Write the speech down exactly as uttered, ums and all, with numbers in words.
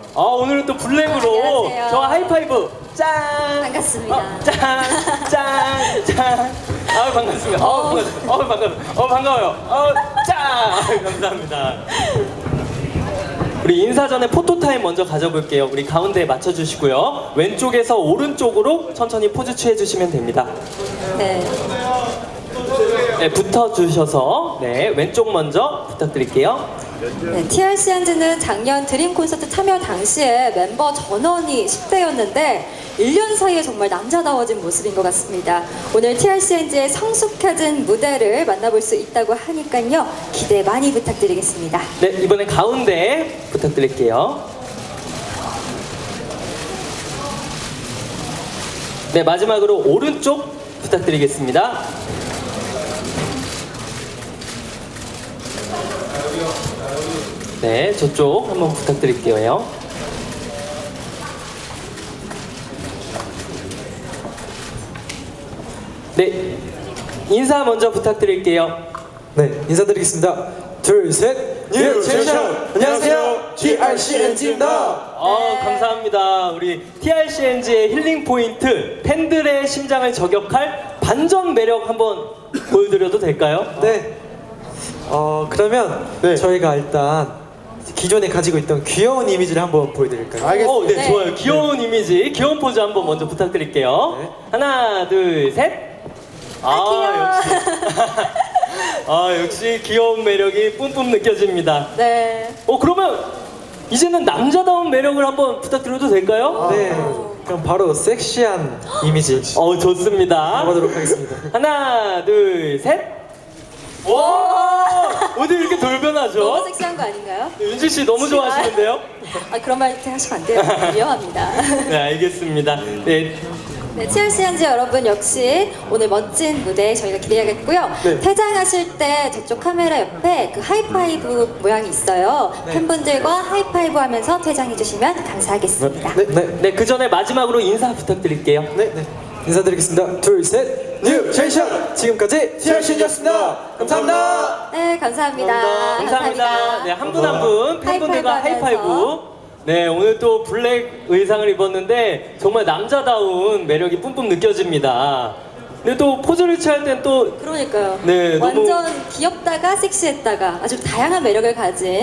아, 오늘은 또 블랙으로 안녕하세요. 저와 하이파이브 짠! 반갑습니다. 어, 짠! 짠! 짠! 아, 반갑습니다. 어, 반갑습니다. 어, 반갑습니다. 어, 반가워요. 어, 짠! 아, 감사합니다. 우리 인사 전에 포토타임 먼저 가져볼게요. 우리 가운데에 맞춰주시고요. 왼쪽에서 오른쪽으로 천천히 포즈 취해주시면 됩니다. 네. 네, 붙어주셔서 네, 왼쪽 먼저 부탁드릴게요. 네, 티알씨 한즈는 작년 드림 콘서트 참여 당시에 멤버 전원이 십 대였는데 일 년 사이에 정말 남자다워진 모습인 것 같습니다. 오늘 티알씨 한즈의 성숙해진 무대를 만나볼 수 있다고 하니까요. 기대 많이 부탁드리겠습니다. 네, 이번엔 가운데 부탁드릴게요. 네, 마지막으로 오른쪽 부탁드리겠습니다. 네, 저쪽 한번 부탁드릴게요. 네, 인사 먼저 부탁드릴게요. 네, 인사드리겠습니다. 둘, 셋, 뉴 제션! 안녕하세요, 티알씨엔지입니다. 아, 감사합니다. 우리 티알씨엔지의 힐링 포인트, 팬들의 심장을 저격할 반전 매력 한번 보여드려도 될까요? 네, 어, 그러면 네. 저희가 일단 기존에 가지고 있던 귀여운 이미지를 한번 보여드릴까요? 어, 네, 네. 좋아요. 귀여운 이미지, 귀여운 포즈 한번 먼저 부탁드릴게요. 네. 하나, 둘, 셋. 아, 역시. 아, 역시 귀여운 매력이 뿜뿜 느껴집니다. 네. 어, 그러면 이제는 남자다운 매력을 한번 부탁드려도 될까요? 네, 그럼 바로 섹시한 이미지 어, 좋습니다. 가보도록 하겠습니다. 하나, 둘, 셋. 와! 어디 이렇게 돌변하죠? 너무 섹시한 거 아닌가요? 윤지 씨 너무 좋아하시는데요? 아, 그런 말 하시면 안 돼요. 위험합니다. 네, 알겠습니다. 네, 네, 티알씨 한즈 여러분 역시 오늘 멋진 무대 저희가 기대하겠고요. 네. 퇴장하실 때 저쪽 카메라 옆에 그 하이파이브 모양이 있어요. 팬분들과 하이파이브 하면서 퇴장해 주시면 감사하겠습니다. 네, 네, 네, 그 전에 마지막으로 인사 부탁드릴게요. 네, 네. 인사드리겠습니다. 둘, 셋, 뉴 제션! 지금까지 티알씨엔지였습니다. 감사합니다. 네, 감사합니다. 감사합니다. 네, 한 분 한 분 팬분들과 하이파이브 하이파이브. 하면서. 네, 오늘 또 블랙 의상을 입었는데 정말 남자다운 매력이 뿜뿜 느껴집니다. 근데 또 포즈를 취할 땐 또 그러니까요. 네, 너무- 완전 귀엽다가 섹시했다가 아주 다양한 매력을 가진